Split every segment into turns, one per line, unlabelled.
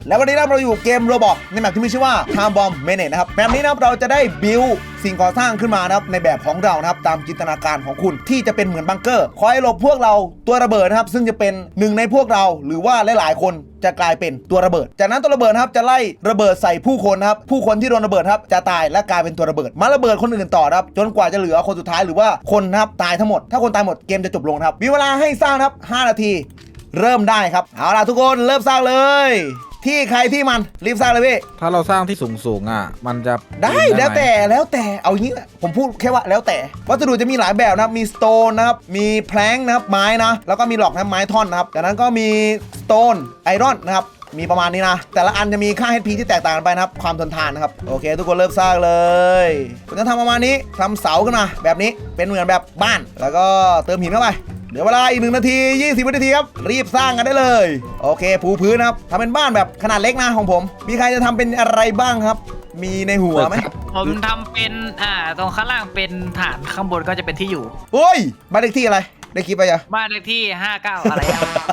แล้ววันนี้เราอยู่เกมโรบอกในแมปที่มีชื่อว่า Time Bomb Manage นะครับแมปนี้นะครับเราจะได้บิลสิ่งก่อสร้างขึ้นมานะครับในแบบของเรานะครับตามจินตนาการของคุณที่จะเป็นเหมือนบังเกอร์คอยหลบพวกเราตัวระเบิดนะครับซึ่งจะเป็นหนึ่งในพวกเราหรือว่าหลายๆคนจะกลายเป็นตัวระเบิดจากนั้นตัวระเบิดนะครับจะไล่ระเบิดใส่ผู้คนนะครับผู้คนที่โดนระเบิดครับจะตายและกลายเป็นตัวระเบิดมาระเบิดคนอื่นต่อครับจนกว่าจะเหลือคนสุดท้ายหรือว่าคนนะครับตายทั้งหมดถ้าคนตายหมดเกมจะจบลงครับมีเวลาให้สร้างครับ5 นาทีเริ่มได้ครับเอาล่ะทุกคนเริ่มสร้างเลยที่ใครที่มันรีบสร้างเลยพี่
ถ้าเราสร้างที่สูงอ่ะมันจะ
ได้แล้วแต่เอาอย่างนี้ผมพูดแค่ว่าแล้วแต่วัสดุจะมีหลายแบบนะครับมีสโตนนะครับมีแพลงนะครับไม้นะแล้วก็มีหลอกนะไม้ท่อนนะครับจากนั้นก็มีสโตนไอรอนนะครับมีประมาณนี้นะแต่ละอันจะมีค่า HP ที่แตกต่างกันไปนะครับความทนทานนะครับโอเคทุกคนเริ่มสร้างเลยผมจะทำประมาณนี้ทำเสาขึ้นมาแบบนี้เป็นเหมือนแบบบ้านแล้วก็เติมหินเข้าไปเดี๋ยวเวลาอีก1 นาที 20 วินาทีครับรีบสร้างกันได้เลยโอเคปูพื้นนะครับทำเป็นบ้านแบบขนาดเล็กนะของผมมีใครจะทำเป็นอะไรบ้างครับมีในหัวไหม
ผมทำเป็นตรงข้างล่างเป็นฐานข้างบนก็จะเป็นที่อยู่
โอ้ยบ้านเลขที่อะไรได้คลิปไปยัง
บ้านเลขที่59อะไร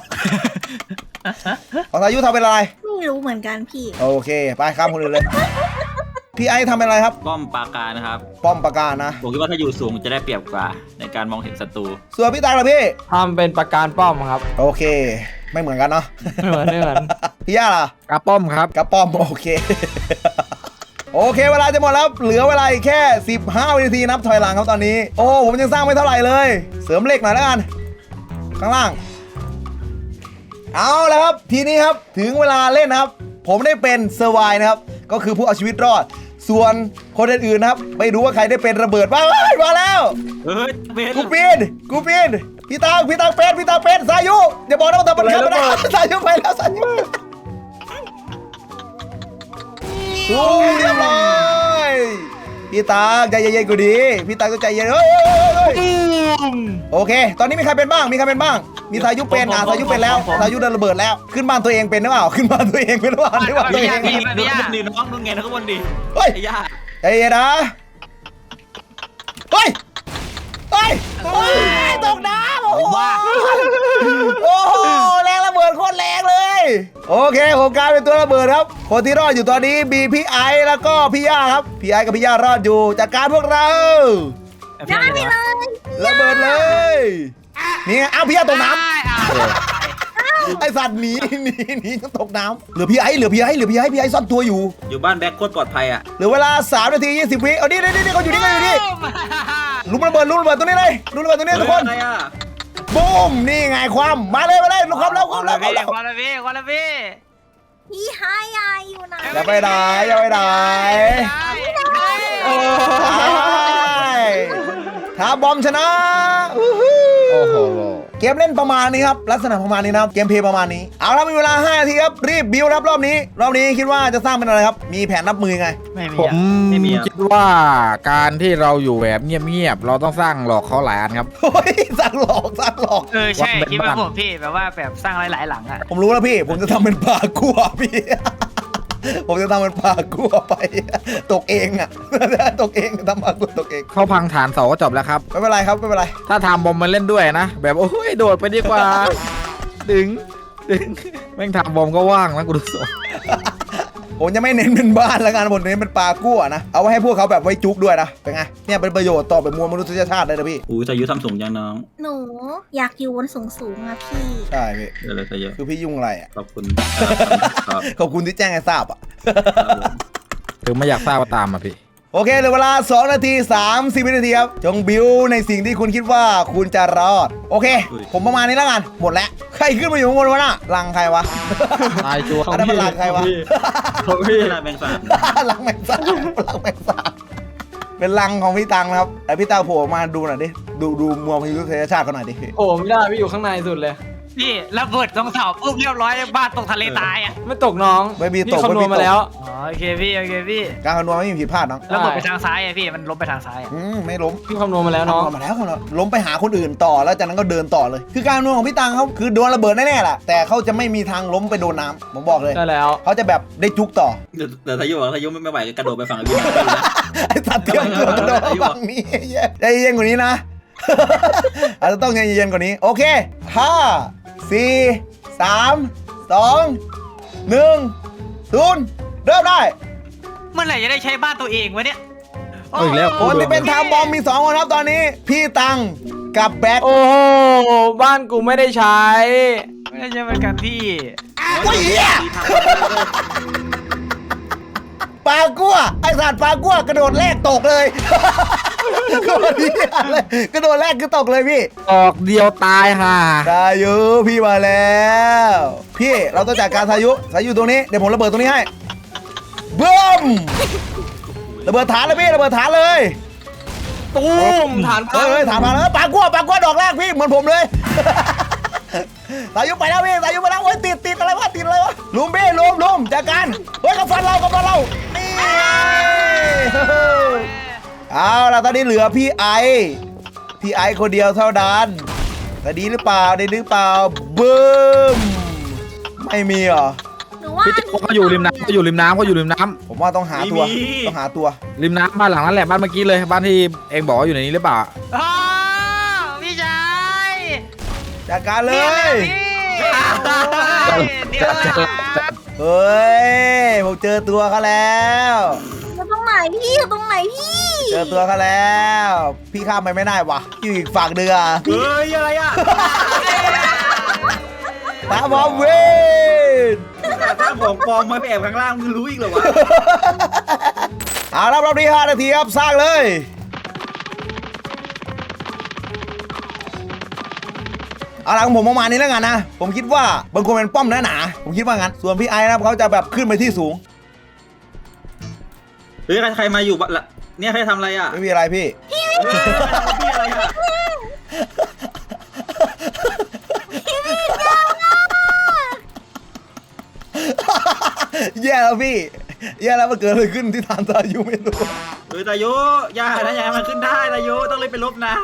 ของอายุทำเป็นอะไร
ไม่รู้เหมือนกันพี่
โอเคไปข้ามคนอื่นเลยพี่ไอทำเป็นอะไรครับ
ป้อมปราการนะครับ
ป้อมปราการนะ
ผมคิดว่าถ้าอยู่สูงจะได้เปรียบกว่าในการมองเห็นศัตรู
ส่วนพี่ตังล่ะพี่
ทำเป็นปราการป้อมครับ
โอเคไม่เหมือนกันเนาะ
ไม่เหมือน
พี่ย่าล่ะ
กระป้อมครับ
กระป้อมโอเคโอเคเวลาจะหมดแล้วเหลือเวลาอีกแค่15 วินาทีนับถอยหลังครับตอนนี้โอ้ผมยังสร้างไม่เท่าไหร่เลยเสริมเหล็กหน่อยแล้วกันข้างล่างเอาแล้วครับทีนี้ครับถึงเวลาเล่นนะครับผมได้เป็นเซอร์ไวนะครับก็คือผู้เอาชีวิตรอดส่วนคนอื่นๆนะครับไม่รู้ว่าใครได้เป็นระเบิดบ้างมาแล้วกูปีนพี่ตังเป็นสายุอย่าบอกนะว่าทำมันขับนะสายุไปแล้วสายุเรียบร้อยพี่ตังใจเย็นๆกูดีพี่ตังต้องใจเย็นโอเคตอนนี้มีใครเป็นบ้างมีสายุเป็นสายุเป็นแล้วสายุโดนระเบิดแล้วขึ้นบ้านตัวเองเป็นหรือเปล่าขึ้นบ้านตัวเองเป็นหรือเปล่า
ดูตัวเองดูน้องดูไงนะข้างบนดี
เฮ้ยใจเย็นนะเฮ้ยตกน้ำโอ้โหแรงระเบิดโคตรแรงเลยโอเคผมกลายเป็นตัวระเบิดครับคนที่รอดอยู่ตอนนี้มีพี่ไอแล้วก็พี่ย่าครับพี่ไอกับพี่ย่ารอดอยู่จากการพวกเรา
ได้เลย
ระเบิดเลยนี่ไงอ้าวพี่ย่าตกน้ำไอสัตว์หนีก็ตกน้ำเหลือพี่ไอซ่อนตัวอยู่
บ้านแบ็คโคตรปลอดภัยอ่ะ
เหลือเวลา3 นาที 20 วิเอานี่เขาอยู่นี่ลุมระเบิดตรงนี้เลยลุมระเบิดตรงนี้ทุกคนบูมนี่ไงความมาเลยลุกความแล้ว
พี่หายายอยู่ไหน
อย่าไปไหนถ้าบอมชนะโอ้โหเกมเล่นประมาณนี้ครับลักษณะประมาณนี้นะเกมเพลย์ประมาณนี้เอาละมีเวลา5 นาทีครับรีบบิวรับรอบนี้คิดว่าจะสร้างเป็นอะไรครับมีแผนรับมือไง
ผมคิดว่าการที่เราอยู่แบบเงียบเราต้องสร้างหลอกเขาหลายอันครับ
สร้างหลอก
ใช่คิดว่าผมพี่แบบว่าแบบสร้างหลายหลังอ่ะ
ผมรู้แล้วพี่ผมจะทำเป็นปลากัวพี่ผมจะทำมันปลากัวไปตกเองอ่ะตกเองทำปลากัวตกเอง
เขาพังฐานเสาก็จบแล้วครับ
ไม่เป็นไรครับไม่เป็นไร
ถ้าทำบอมมาเล่นด้วยนะแบบโอ้ยโดดไปดีกว่าดึงแม่งทำบอมก็ว่างนะกูดูสด
ผมจะไม่เน้นเป็นบ้านแล้วกันผมเน้นเป็นปลากัวนะเอาไว้ให้พวกเขาแบบไว้จุกด้วยนะเป็นไงเนี่ยเป็นประโยชน์ต่อแบบมวลมนุษยชาติเลยนะพี่
สายุทำสูงยังน้อง
หนูอยากอยู่บนสูงอะพี่
ใช่พี่
เลยสายุ
คือพี่ยุ่งอะไรอ่ะ
ขอบคุณ
ที่แจ้งให้ทราบอ่ะ
ถึงไม่อยากทราบว่าตามมาพี่
โอเคเหลือเวลา2 นาที 30 วินาทีครับจงบิวในสิ่งที่คุณคิดว่าคุณจะรอดโอเคผมประมาณนี้แล้วกันหมดแล้วใครขึ้นมาอยู่ข้างบนวะน่ะลังใครวะ
ตายจัว
อันนั้นมันลังใครวะ
พี่ลังแมงสาบ
ลังแมงสาบเป็นลังของพี่ตังนะครับไอพี่ตังโผล่มาดูหน่อยดิดูมวลมนุษยชาติเขาหน่อยดิ
โอ้ไม่ได้พี่อยู่ข้างในสุดเลย
พี่ระเบิดตรงเสาปุ๊บเรียบร้อยบ้านตกทะเลตายอ่ะ
ไม่ตกน้อง
ไม่มีตก
คำนวณมาแล้ว
โอเคพี่
การคำนวณไม่มีผิดพลาดน้อง
ระเบิดไปทางซ้ายพี่มันล้มไปทางซ้าย
ไม่ล้ม
พี่คำนวณมาแล้วน้อง
มาแล้วล้มไปหาคนอื่นต่อแล้วจากนั้นก็เดินต่อเลยคือการคำนวณของพี่ตังเขาคือโดนระเบิดแน่ๆแหละแต่เขาจะไม่มีทางล้มไปโดนน้ำผมบอกเลย
ใช่แล้ว
เขาจะแบบได้จุกต่อ
แต่สายุไม่ไหวกระโดดไปฝั่งพี่
ไอ้สัตว์เตี้ยกระโดดฝั่งนี้ใจเย็นกว่านี้นะอาจจะต้องใจเย็นกว่านี้โอเค5 4 3 2 1 0เริ่มได้
เมื่อไหร่จะได้ใช้บ้านตัวเองวะเนี่ย
เอาอีกแล้ว
คนที่เป็นไทม์บอมมี2คนครับตอนนี้ พี่ตังกับแบ็ค
โอ้โหบ้านกูไม่ได้ใช้
ไม่ได้ใช่เหมือนกันพี่
ว้ยเหี้ยปลากั้วไอสัตว์ปลากั้วกระโดดแรกตกเลยกระโดดเหี้ยเลยกระโดดแรกคือตกเลยพี่
ออกเดียวตายห่า
สายุพี่มาแล้วพี่เราต้องจัดการสายุตรงนี้เดี๋ยวผมระเบิดตรงนี้ให้บึ้มระเบิดฐานเลยพี่ระเบิดฐานเลย
ตูมฐานพัง
เฮ้ยฐานมาแล้วปลากั้วดอกแรกพี่เหมือนผมเลยสายุไปแล้วพี่สายุไปแล้วโอ้ยติดอะไรวะลุมพี่ลุมจัดการเฮ้ยกับฟันเรานี่เอาล่ะตอนนี้เหลือพี่ไอคนเดียวเท่านั้นแต่ดีหรือเปล่าบึ้มไม่มีเหรอ
หนูว่า
พี่ติ๊กเขาอยู่ริมน้ำเขาอยู่ริมน้ำ
ผมว่าต้องหาตัว
ริมน้ำบ้านหลังนั้นแหละบ้านเมื่อกี้เลยบ้านที่เองบอกว่าอยู่ในนี้หรือเปล่า
อ๋อพี่ชาย
จัดการเล
เนี่ย
ย
พี่เดี๋ยวนะ
เฮ้ยผมเจอตัวเขาแล้ว
อยู่ตรงไหนพี่อยู่ตรงไหนพี่
เจอตัวเขาแล้ว พี่ข้ามไปไม่ได้วะอยู่อีกฝั่งเดือ
เฮ้ยอะไรอ่ะ
ตาบอมเวน
แต่ถ้าของปลอมมาไปแอบข้างล่างมึงรู้อีกเหรอวะ
เอาละรอบนี้5 นาทีครับสร้างเลยเอาละของผมประมาณนี้แล้วกันนะผมคิดว่าบางคนเป็นป้อมหนาผมคิดว่างั้นส่วนพี่ไอ้นะครับเขาจะแบบขึ้นไปที่สูง
เฮ้ยใครมาอยู่บ้านละเนี่ยใครทำอะไรอ่ะ
ไม่มีอะไรพี่
พี่อะไรอ่ะ
แย่แล้วพี่แย่แล้วมันเกิดอะไรขึ้นที่ฐานตายุไม่รู้
เฮ้ยตายุอย่านะอย่าให้มันขึ้นได้ตายุต้องรีบไปลบนะ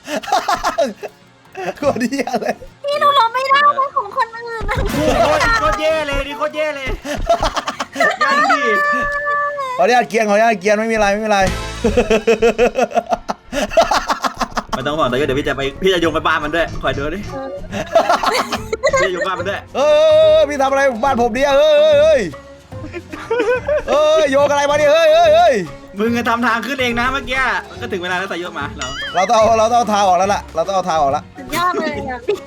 โคตรแย่เลย
พี่หนูลบไม่ได้เป็นของคนอื่นนะ
โคตรแย่เลยนี่โคตรแย่เลยย่าดิ
ขออนุญาตเกียร์ไม่มีอะไร
ไม่ต้องห่วงตายุเดี๋ยวพี่จะโยงไปบ้านมันด้วยคอยดูดิพี่จะโยงบ้านมันด้วย
พี่ทำอะไรบ้านผมเนี่ยเฮ้ยโยกอะไรมาเนี่ยเฮ้ย
มึงจะทำทางขึ้นเองนะเมื่อกี้มันก็ถึงเวลาแล้วตายุมาเรา
เราต้องเอาเท้าออกแล้วล่ะเราต้องเอาเท้าออกแล้ว
สุดยอดเลยอ่ะพี่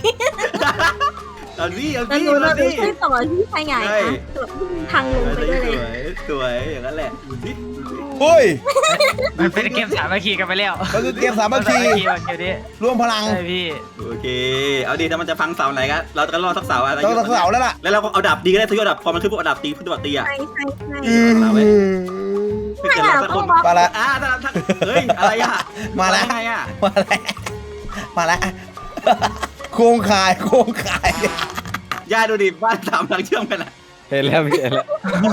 เอาดิเอา
แล้ว
ดิ
หนู
เอา
เรา
ดิ
ช่วยต่อที่ชายใหญ่นะทางลงไปด้วยเลย
สวยอย่างนั้นแหละดูดิ
เฮ้ย
มันเป็นเกมสามัคคีกันไปแล้ว
มันคือเกมสามัคคี
เกมนี้
รวมพลัง
ใช่พี่
โอเคเอาดิถ้ามันจะฟังเสาไหนกันเราจะรอสักเสาอะไร
ต้องเสาแล้วล่ะ
แล้วเราก็เอาดับดีก็ได้ทุกดับพอมันขึ้นพวกดับตีขึ้นตัวตีอ่ะ
ใช่ใช่
ไม่เกิดเราสักคน
มาแล้ว
ถ้าเฮ้ยอะไรอ่ะ
มาแล้ว
ไงอ่ะ
มาแล้วโครงข่าย
ย่าดูดิบ้านสามหลังเชื่อมกันอ่ะ
เห็นแล้วพี่เห็นแล้ว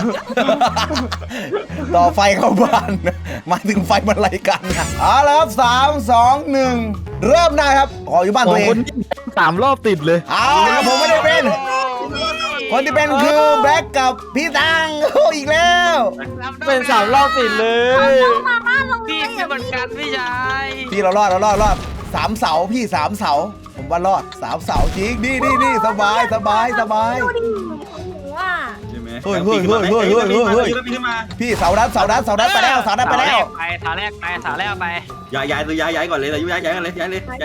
ต่อไฟเข้าบ้านมาถึงไฟมันไหลกันเอาละครับ3 2 1เริ่มได้ครับขออยู่บ้าน
สอ
ตัว
ง
เอ
ค
ง
น3 รอบติดเลย
เอาละผมไม่ได้เป็น คนที่เป็นคือแบล็กกับพี่ตังโอ้อีกแล้ว
เป็น3 รอบติดเลย
มาบ้านเราเล
พี่
ย
เป็นเหมือนกันพี่ชาย
พี่เรารอด3 เสาพี่3 เสาผมว่ารอด3 เสาจริงนี่สบาย
ดูดิของหนูอ่ะ
ใช่ไหม
เฮ้ย
ปีนขึ้นมา
พี่เสาดันไปแล้ว
สาแรกไป
ย้ายก่อนเลยย้ายกันเลยย้ายเลย
ย้าย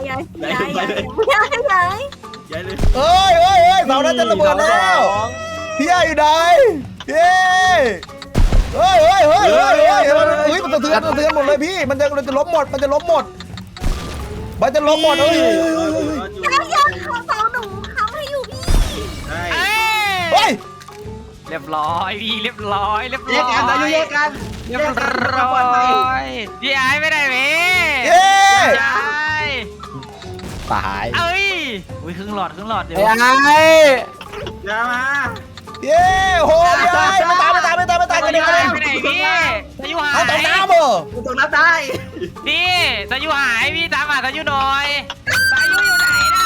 เอ้ยเสาดันจะระเบิดแล้วพี่ย่าอยู่ไหนเย้เฮ้ยมันสะเทือนหมดเลยพี่มันจะล้มหมดเอ้ย
ย้ายของเสาหนูเขาให้อยู่พี่
ใช่
เฮ้ย
เรียบร้อยพี่เรียบร้อย
แยกกันตายุแยกกัน
เรียบร้อยพี่ไอ้ไม่ได้พี่
เย้
ใช่
ตาย
เอ้ยอุ้ยครึ่งหลอดเดี๋ยว
ไอ้
อย่ามา
เย้โหพี่ไอ้ไม่ตายกัน
ไป
เลย
ไหนพี่ตะยุหาย
เอาตกน้ำเหรอ
กูตกน้ำได้
พี่ตะยุหายพี่ตามหาตะยุหน่อยตะยุอยู่ไหนนะ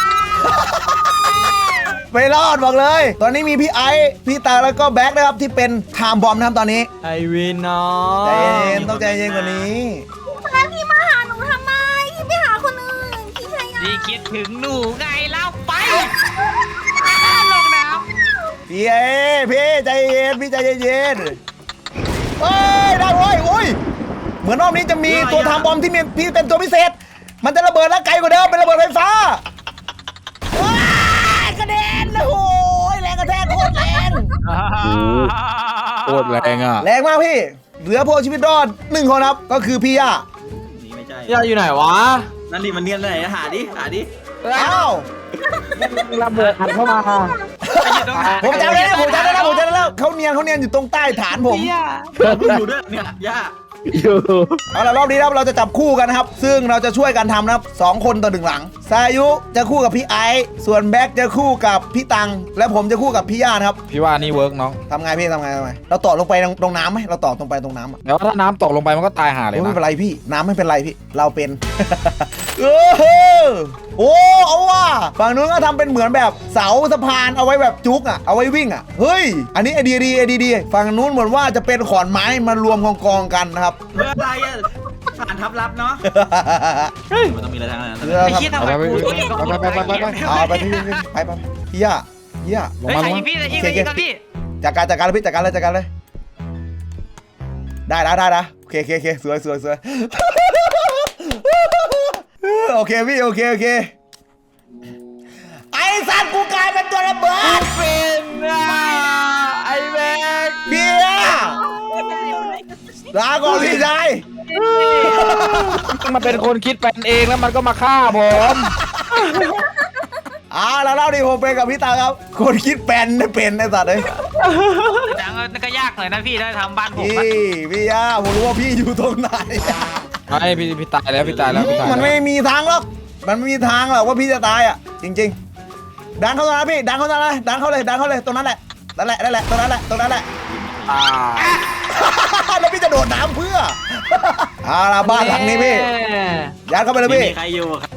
ไม่รอดบอกเลย ตอนนี้มีพี่ไอพี่ตาแล้วก็แบ็คนะครับที่เป็นไทม์บอมนะครับตอนนี้
ไอวินน้อง
ใจเย็นต้องใจเย็นกว่านี้
แล้วพี่มาหาหนูทำไมพี่ไปหาคนอื่นพี่ชายใหญ่
พี่คิดถึงหนูไงเล่าไปลงน้
พี่ใจเย็นพี่ใจเย็นเฮ้ยได้เว้ยโอ้ยเหมือนรอบนี้จะมีตัวทำบอมที่เป็นตัวพิเศษมันจะระเบิดแล้วไกลกว่าเดิมเป็นระเบิดไฟฟ้าว้ากระเด็นโอ้ยแรงกระแทกโคตรแรง
โคตรแรงอ่ะ
แรงมากพี่เหลือพวกชีวิตรอด1 คนครับก็คือพี่ย่า
นี่ไม่ใช่
ยาอยู่ไหนวะ
นั่นดิมันเนียนไหนหาดิ
อ้าว
ระเบิดอัดเข้ามา
ผมจำได้แล้วเขาเนียนอยู่ตรงใต้ฐานผม
อยู่ด้วยเนี่ยย่า
เอาละรอบนี้ครับเราจะจับคู่กันนะครับซึ่งเราจะช่วยกันทำนะครับ2 คนต่อ1หลังสายุจะคู่กับพี่ไอซ์ส่วนแบ็คจะคู่กับพี่ตังและผมจะคู่กับพี่ย่านะครับ
พี่ว่านี่เวิร์กน้อง
ทำไงพี่ทำไงเราต่อลงไปตรงน้ำไหมเราต่อตรงไปตรงน้ำอ่ะ
แล้วถ้าน้ำตกลงไปมันก็ตายห่าเลย
ไม่
นะ
เป็นไรพี่น้ำไม่เป็นไรพี่เราเป็น โอ้เอาว่ะฝั่งนู้นก็ทำเป็นเหมือนแบบเสาสะพานเอาไว้แบบจุกอ่ะเอาไว้วิ่งอ่ะเฮ้ยอันนี้ไอเดียดีฝั่งนู้นเหมือนว่าจะเป็นขอนไม้มารวมกองกันนะครับ
เมื่อไรอ่ะผ่านทับรับเนาะมันต้องมีอะไรทางนั้น
เรือ
ไอ้
ครับ
เหี้ยทำไมกูเองก็
เอาไปพี่ย่า
ลง
เฮ้ย
มา
ใคร
ลง
ยิ
มาง
พี่ใครยิงพี่ครับพี่
จัดการเลยพี่จัดการเลยได้นะโอเคสวยโอเคพี่โอเคไอ้สัตว์กูกลายเป็นตัวระเบิด
เป็นไอ้แม็ก
เบียลาก่อนพี่ชาย
มันเป็นคนคิดเป็นเองแล้วมันก็มาฆ่าผม
แล้วเล่าดิผมเป็นกับพี่ตาครับคนคิดเป็นไอ้สัตว์เลย
ดังก็ยากหน่อยนะพี่ถ้าทำบ้านผม
พี่ย่าผมรู้ว่าพี่อยู่ตรงไหน
ไอ้พี่ตายแล้วพี่ตายแล้ว
มันไม่มีทางหรอกมันไม่มีทางหรอกว่าพี่จะตายอ่ะจริงๆดันเข้าตรงนั้นพี่ดันเข้าตรงนั้นดันเข้าเลยตรงนั้นแหละนั่นแหละตรงนั้นแหละ แล้วพี่จะโดดน้ำเพื่อละบ้านหลังนี้พี่ยัดเข้าไปเลยพี่
มีใครอยู่ครับ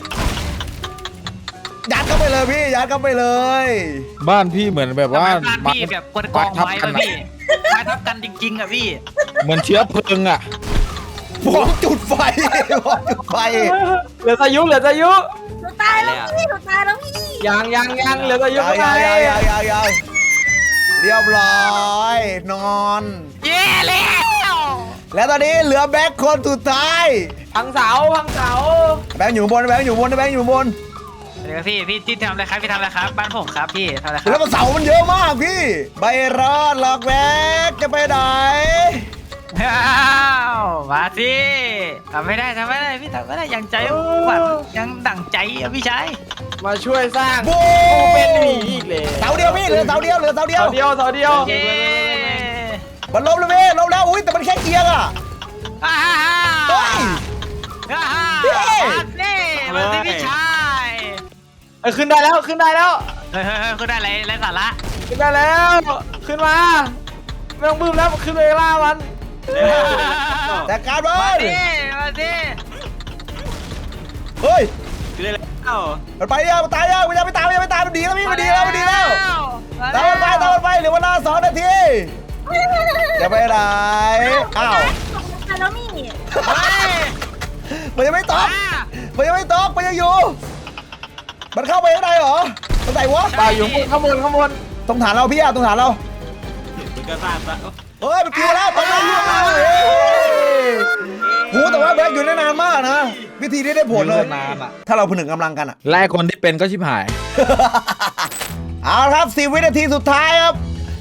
ยัดเข้าไปเลยพี่ยัดเข้าไปเลย
บ้านพี่เหมือนแบบว่า
บ้านพี่แบบกองไม้ป่ะพี่ไม้ทับกันจริงๆอ่ะพี่
เหมือนเชื้อเพลิงอ่ะ
ผมจุดไฟ
เหลือสายุ
หนูตายแล้วพี่
ยังเหลือสายุ
ยังเรียบร้อยนอน
เย้แล้ว
แล้วตอนนี้เหลือแบ็คคนสุดท้าย
พังเสา
แบ็คอยู่บน
เดี๋ยวพี่ที่ทำอะไรครับพี่ทำอะไรครับบ้านผมครับพี่ทำอะไรค
แล้
รั
ว
บ
ก็เสามันเยอะมากพี่ใบรอดหลอกแบ็คจะไปไหน
มาสิทำไม่ได้พี่ทำไม่ได้ยังใจหวั่นยังดั่งใจอ่ะพี่ชาย
มาช่วยสร้าง
บู
กูเป็นหมีอีกเลย
เสาเดียวพี่เหลือเสาเดียว
เสาเดียว
เย้
มันล้มแล้วพี่ล้มแล้วอุ้ยแต่มันแค่เอียงอ่ะ เฮ้ย
มาสิพี่ชาย
ขึ้นได้แล้ว
เฮ้ยคือได้ไรสาระ
ขึ้นได้แล้ว ขึ้นมาไม่ต้องบึ้มแล้วขึ้นไปล่ามัน
จัดการมั
มาน สิ
เฮ้ย
คืออะไรแล้ว
มันไปยังมันตายยังมันยังไม่ตายมันดีแล้วพี่มันดีแล้วตามมันไปเหลือเวลา2 นาทีจะไปไหนอ้าว
แล้วนี่
มันยังไม่ตกมันยังอยู่มันเข้าไปข้างในเหรอมันไหนวะ
ตายอยู่ข้างบน
ตรงฐานเราพี่ตรงฐานเรา
มันก็สร้างซะ
เฮ้ยมันคิวแล้วตอนนั้นล่วงแล้วหูแต่ว่าแบ็คอยู่ได้นานมากนะวิธีนี้ได้ผลเลย
นานอ่ะ
ถ้าเราผนึกกำลังกันอะ
ไล่คนที่เป็นก็ชิบหาย
เอาละครับ10 วินาทีสุดท้ายครับ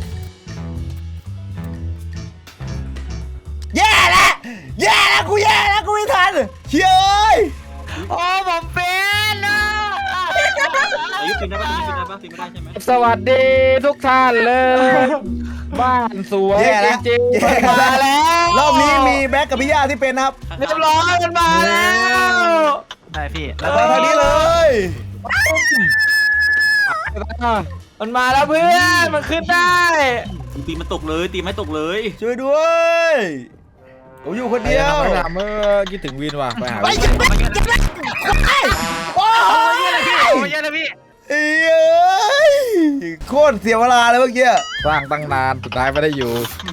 แย่แล้วกูไม่ทันเฮ้ย
โอ้ผมเป็นนะ
อายุปีนได้ปะปีนไม่ได้ใช่ไหม
สวัสดีทุกท่านเลย บ้านสวย
แย่แล้ว
จริง
แย่
ๆมาแล้ว
รอบนี้มีแบ็คกับพี่ย่าที่เป็นนะครับ
เรียบร้อยมันมาแล้ว
ได้พี่
แล้วไปทางนี้เลย
มันมาแล้วเพื่อนมันขึ้นได้
ตีมันตกเลย
ช่วยด้วยผมอยู่คนเดียว
ไปถามเมื่อคิดถึงวินว่ะไปหา
ไป
วิน
โอ้ย
เยอะเลยพี่
เอ้ยโคตรเสียเวลาเลยเมื่อกี้
สร้างตั้งนานสุดท้ายไม่ได้อยู่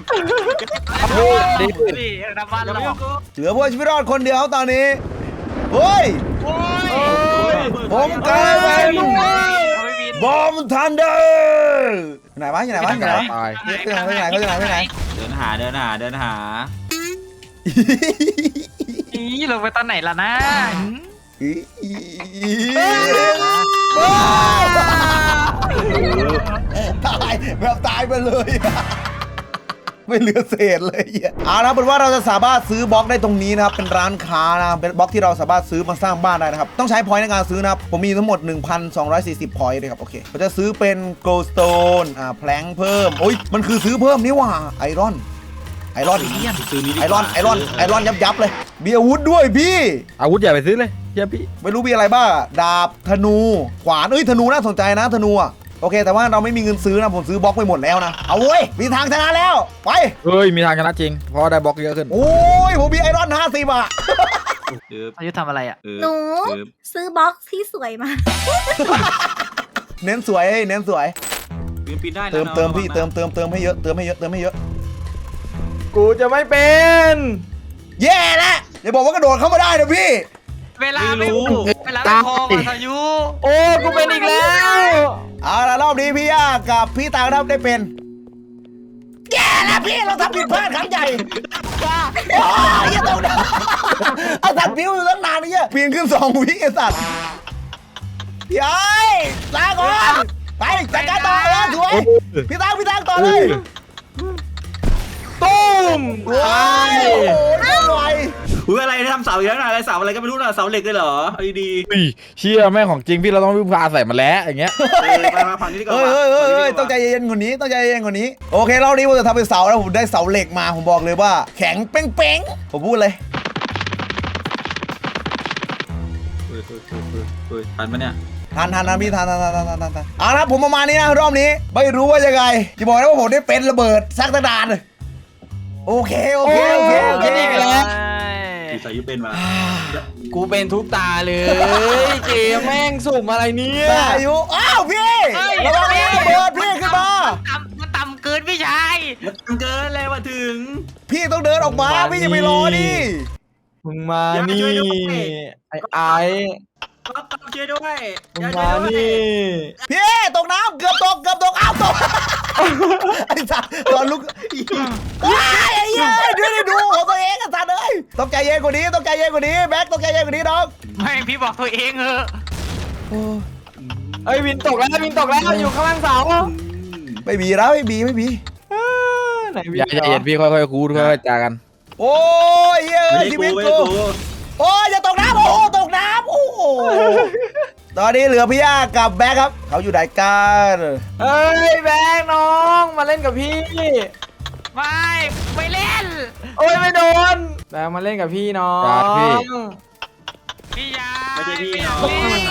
พี่น้ำมันหลอก
เหลือผู้ชีวิตรอดคนเดียวตอนนี้เฮ้ย
โอ้ย
ผมกลายเป็น
ไม่บิน
บอมทันเดอร์ไหนวะอยู่ไหนวะอยู่ไหนวะ
ตาย
เขาจะไหน
เดินหา
นี่ลงไปตอนไหนล่ะนะ
ตายแบบตายไปเลย ไม่เหลือเศษเลยเอาละเป็นว่าเราจะสามารถซื้อบล็อกได้ตรงนี้นะครับเป็นร้านค้านะเป็นบล็อกที่เราสามารถซื้อมาสร้างบ้านได้นะครับต้องใช้พอยต์ในการซื้อนะครับผมมีทั้งหมด 1,240 พอยต์เลยครับโอเคเราจะซื้อเป็น goldstone แพลงเพิ่มโอ้ยมันคือซื้อเพิ่มนี่หว่าไอรอนยับเลยมีอาวุธด้วยพี่
อาวุธใหญ่ไปซื้อเลยเฮียพี่
ไม่รู้มีอะไรบ้างดาบธนูขวานธนูน่าสนใจนะธนูอ่ะโอเคแต่ว่าเราไม่มีเงินซื้อนะผมซื้อบล็อกไปหมดแล้วนะเอาเว้ยมีทางชนะแล้วไป
เฮ้ยมีทางชนะจริงเพราะได้บล็อกเยอะขึ้น
โอ้ยผมมีไอรอน50อ่ะ
อายุทำอะไรอ่ะ
หนูซื้อบล็อกที่สวยมา
เน้นสวยเน้นสวย
ปีนได้
เติมพี่เติมให้เยอะเติมให้เยอะ
กูจะไม่เป็น
แย่แล้วอย่าบอกว่ากระโดดเข้ามาได้นะพี่
เวลาไม่พออายุ
โอ้กูเป็นอีกแล้ว
เอาละรอบนี้พี่ย่ากับพี่ตาครับได้เป็นแย่แล้วพี่เราทำผิดพลาดครั้งใหญ่โอ้ยอย่าตกนะไอ้สัตว์พิ้วอยู่ตั้งนานนี่ปีนขึ้น2 วิไอ้สัตว์พี่ไอ้ลาก่อนไปจัดการต่อแล้วสวยพี่ตังต่อเลย
ตุ้ม
โอ้ยโอ้โหเล่นไว
อุ้ยอะไรทำเสาอีกแล้วนะอะไรเสาอะไรก็ไม่รู้นะเสาเหล็กเลยเหรอเอาดี
อุ้ยเชี่ยแม่งของจริงพี่เราต้องวิ่งพาใส่มาแล้วอย่างเงี้ย
มาฝั่งนี้ดีกว่า
เฮ้ยต้องใจเย็นกว่านี้ต้องใจเย็นกว่านี้โอเครอบนี้ผมจะทำเป็นเสาแล้วผมได้เสาเหล็กมาผมบอกเลยว่าแข็งเป้งผมพูดเลย
ทันปะเนี่ย
ทันพี่ทันเอาละผมประมาณนี้นะรอบนี้ไม่รู้ว่ายังไงจะบอกนะว่าผมได้เป็นระเบิดซักตะดานโอเค
เป็นอีกแล้ว
ปีสายุเป็นมา
กูเป็นทุกตาเลยเกมแม่งสุ่มอะไรเนี่ย
สายุอ้าวพี่ระวังระเบิดพี่ขึ้นมา
มันต่ำเกินพี่ชาย
มันเกินเลยว่าถึง
พี่ต้องเดินออกมาพี่อย่าไปรอดิ
มึงมานี่ไอ้
ช่วยด้วย
มึงมานี่
พี่ตกน้ำเกือบตกอ้าวตกไอ้สัตว์ตอนลุกว้ายไอ้เหี้ยดูของตัวเองไอ้สัตว์เอ้ยต้องใจเย็นกว่านี้แบ็คต้องใจเย็นกว่านี้น้อง
ไม่พี่บอกตัวเองเออ
เอ้ยวินตกแล้วอยู่ข้างล่างเสา
ไม่มีแล้วไม่มี
ไหนวิน
อย่าใจเย็นพี่ค่อยๆคูดค่อยๆจากัน
โอ้ยเฮ้ยชีวิตกูโอ้ยอย่าตกน้ำโอ้โหตกน้ำโอ้โหตอนนี้เหลือพี่ย่ากับแบ็คครับเขาอยู่ไหนกัน
เอ้ยแบงค์น้องมาเล่นกับพี่
ไม่เล่น
โอ้ยไม่โดนแบงค์มาเล่นกับพี่น้อง
พี่ยา
ไม่ใช่พี่
ไม่
น้อง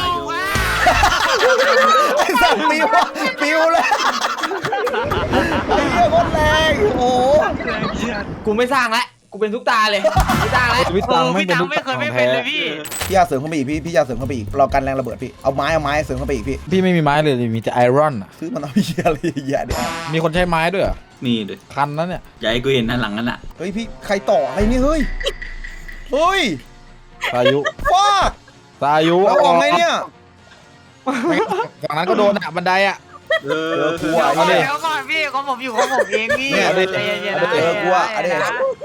ไอ้สัตว์ปิวเลยไอ้เหี้ยโคตรแรงโอ้โห
กูไม่สร้างแล้วกูเป็นทุกตาเลยไม่สร้างแล้ว
พี่ตังไม่
พี่
เป็น
ตัง
ลูก
ไม่เคย
ขอ
ไม่
ง
เป็น
แท้
เลยพี่
พี่ย่าเสริมเข้าไปอีกพี่ย่าเสริมเข้าไปอีกเรากันแรงระเบิดพี่เอาไม้เสริมเข้าไปอีกพี่
พี่ไม่มีไม้เลยมีแต่ไอรอน
ซื้อมันเอาเหี้ยอะไรเหี้ยเนี่ย
มีคนใช้ไม้ด้วยเหรอ
นี่เลย
คันนั้นเนี่ย
อย่าให้กูเห็นด้านหลังนั่นน่ะ
เฮ้ยพี่ใครต่ออะไรเนี่ยเฮ้ย
สายุ
ฟ้า
สายุ
เราออกไงเนี่ย
ฝั่งนั้นก็โดนอ่ะบันไดอ่ะ
กลัว
เอาดิ
เดี๋ยวก่อนพี่ของผมอยู่ของผมเองพี่
เนี่ย
ใจเย็นๆนะ
กลัวเอาดิ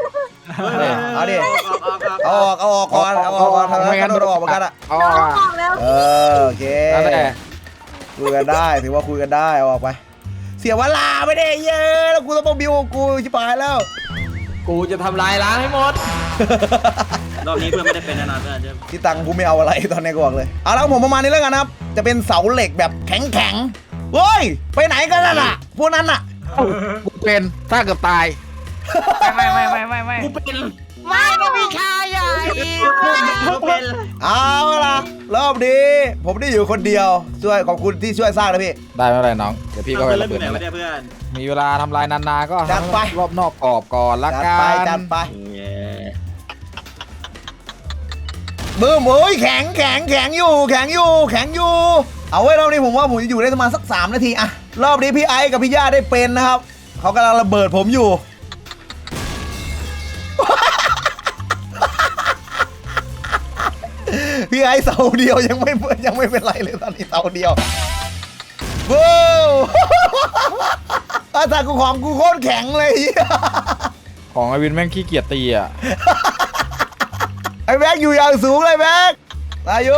เอาออกก่อนทำให้กันโดนออกเหมือนกันอ่ะ
เอา
น้อง
อ่ะ
บอกแล้ว
โอเค
นั่นแหละ
คุยกันได้ถือว่าคุยกันได้เอาออกไปเสียเวลาไม่ได้เยอะแล้วกูต้องมาบิวกูชิบหายแล้ว
กูจะทำลายล้างให้หมด
รอบนี้เพื่อนไม่ได้เป็นแน่นอนเพื่อนจะ
ที่ตังกูไม่เอาอะไรตอนนี้กูบอกเลยเอาแล้วผมประมาณนี้แล้วกันนะครับจะเป็นเสาเหล็กแบบแข็งเฮ้ยไปไหนกันน่ะพวกนั้นน่ะ
กูเป็นถ้าเกือบตาย
ไม่
กูเป็น
ไม่นะพี่ชายใหญ่
กูเป็น
เอาล่ะรอบนี้ผมได้อยู่คนเดียวช่วยขอบคุณที่ช่วยสร้างนะพี่
ได้ไม่เป็นไรน้องเดี๋ยวพี่ก็ไป
เริ่
ระ
ม
เบิด
ไหน
นั่นแห
วะ
ละ
เนี่ยเพื่อน
มีเวลาทำลายนานๆก็
จัดไป
รอบนอกกรอบก่อนละ
จัด
กั
ไป
น
จัดไป
เย้
บึ้มเอ้ยแข็งอยู่เอาไว้รอบนี้ผมว่าผมจะอยู่ได้ประมาณสัก3 นาทีอะรอบนี้พี่ไอซ์กับพี่ย่าได้เป็นนะครับเขากำลังระเบิดผมอยู่ พี่ไอซ์เสาเดียวยังไม่เป็นไรเลยตอนนี้เสาเดียวว้าวอาสากูของกูโคตรแข็งเลย
ของไอวินแม่งขี้เกียจตีอ่ะ
ไอ้แม็กอยู่อย่างสูงเลยแม็กอายุ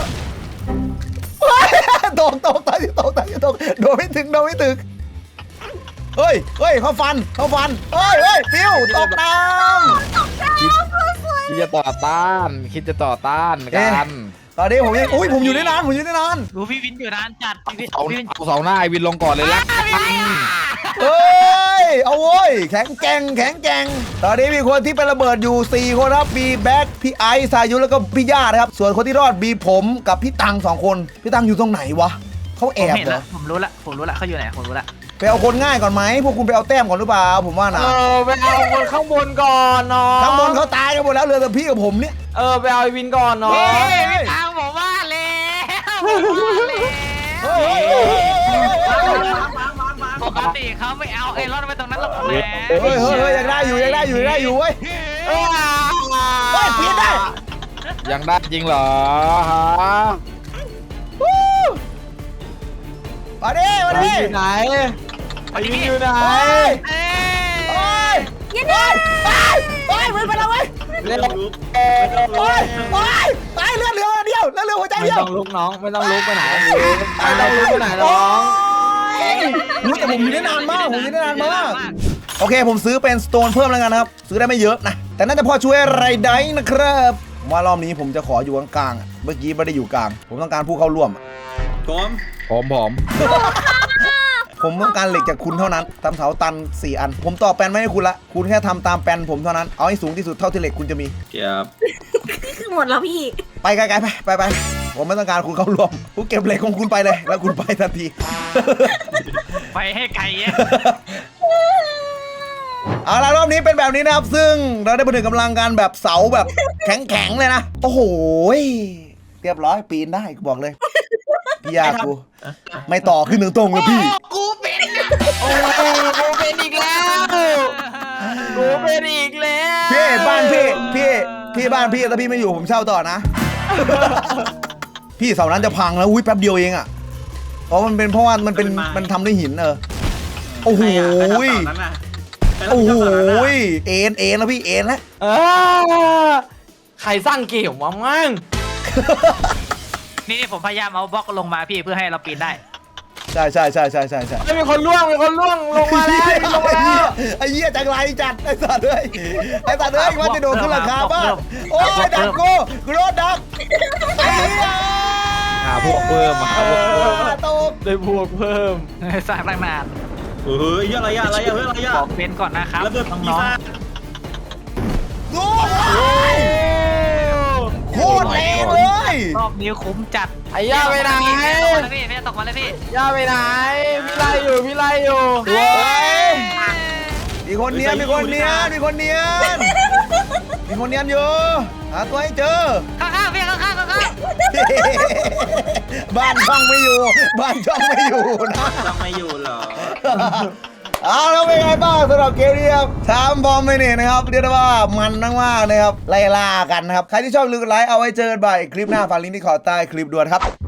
ตกตายตกโดนไม่ถึงเฮ้ยเขาฟันเฮ้ยปิ้วตกน้ำ
คิดจะต่อต้านกัน
ตอนนี้ผมยังผมอยู่ได้นาน
ดูพี่วินอยู่นานจัดพี่วิน
เอา
พี่วิน
เอาเสาหน้าไอวินลงก่อนเลยละ
เฮ้ยเอาโว้ยแข็งแกร่งตอนนี้มีคนที่เป็นระเบิดอยู่4คนครับมีแบ็คพี่ไอซ์สายุแล้วก็พี่ย่านะครับส่วนคนที่รอดมีผมกับพี่ตัง2คนพี่ตังอยู่ตรงไหนวะเขาแอ
ผม
บ
เห็น
เหร
แล้
อ
วผมรู้ละเขาอยู่ไหนผมรู้ละ
ไปเอาคนง่ายก่อนไหมพวกคุณไปเอาแต้มก่อนหรือเปล่าผมว่านะ
ไปเอาคนข้างบนก่อนเนาะ
ข้างบนเขาตายกันหมดแล้วเหลือแต่พี่กับผมเนี่ย
ไปเอาไอ้วินก่อนเนาะ
พี่ทางผมว่าแล้ว
เฮ้ย
ปกติเขาไม่เอาไอ้รอดไปตรงนั้นหรอกแหม
เฮ้ยยังได้อยู่เว้ยเฮ้ยปีนได้
ยังได้จริงเหรอฮะ
มาดิ
อยู่ไหนไอ้วินอยู่ไหน
เฮ้ย
เอ้
เฮ้
ย
ยวิ่งไปแล้วเว้ย
เล่น
เฮ้ยเลือดเหลือเดียวแล้วเหลือหัวใจ
ไม่
เดียว
ต้องลุกน้องไม่ต้องลุกไปไหนไม่ต้องลุกไปไหนน้อง
แต่ผมอยู่ได้นานมากโอเคผมซื้อเป็นสโตนเพิ่มแล้วกันนะครับซื้อได้ไม่เยอะนะแต่น่าจะพอช่วยอะไรได้นะครับว่ารอบนี้ผมจะขออยู่กลางๆเมื่อกี้ไม่ได้อยู่กลางผมต้องการผู้เข้าร่วม
ผม
ผมต้องการเหล็กจากคุณเท่านั้นทำเสาตัน4 อันผมต่อแปลนไม่ให้คุณละคุณแค่ทำตามแปลนผมเท่านั้นเอาให้สูงที่สุดเท่าที่เหล็กคุณจะมี
เก็บ
นี่คือหมดแล้วพี่
ไปไกลๆไปผมไม่ต้องการคุณเข้าร่วมคุณเก็บเหล็กของคุณไปเลยแล้วคุณไปทันที
ไปให้ไกลอะ
เอาละรอบนี้เป็นแบบนี้นะครับซึ่งเราได้ผนึกกำลังกันแบบเสาแบบแข็งๆเลยนะโอ้โหเรียบร้อยปีนได้กูบอกเลยพี่ยากูไม่ต่อขึ้นตรงๆเลยพี่
กูเป็นนะ
โอ้กูเป็นอีกแล้ว
พี่บ้านพี่บ้านพี่ถ้าพี่ไม่อยู่ผมเช่าต่อนะ พี่เสานั้นจะพังแล้วอุ้ยแป๊บเดียวเองอ่ะเพราะว่ามันทำด้วยหินโอ้โหโอ้โหเอ็นแล้วพี่เอ็นแล้ว
ใครสร้างเกมวะมั่ง
นี่ผมพยายามเอาบล็อกลงมาพี่เพื่อให้เราปีนได้
ใช่
มีคนล่วงลงมาแล้ว
ไอ้เหี้ยจังไรจัดไอ้สัตว์เลยว่าจะโดนขึ้นราคาบ้างโอ้ยดักกูโดนดักไอ้เหี้ย
หาพวกเพิ่มมาหาพวกเพิ่ม
ตก
ได้บวกเพิ่ม
สร้างตั้งนาน
เฮ้ยอะไรอะ
ขอเป็นก่อนนะครับ
ระเบิด
น้
ปี
อง
ศาจ
โอ้ยโคตรแรงเลย
ๆรอบนี้คุ้มจัด
ไอ้ย่าไปไหน
พี่ตกมาเลยพี่
ย่าไปไหนพี่ไล่อยู่
สวยมีคนเนียนอยู่หาตัวให้เจอ
ข้างๆพี่ข้างๆ
บ้านช่องไม่อยู่นะ
ต้องไม่อยู่เหรอ
เอาแล้วเป็นไงบ้างสำหรับเกมนี้ครับถามบอมไม่เนี่ยนะครับเรียกได้ว่ามันมากๆนะครับไล่ล่ากันนะครับใครที่ชอบลืมไลค์เอาไว้เจอกันบ่ายคลิปหน้าฝากลิงก์ที่ขอใต้คลิปด้วยครับ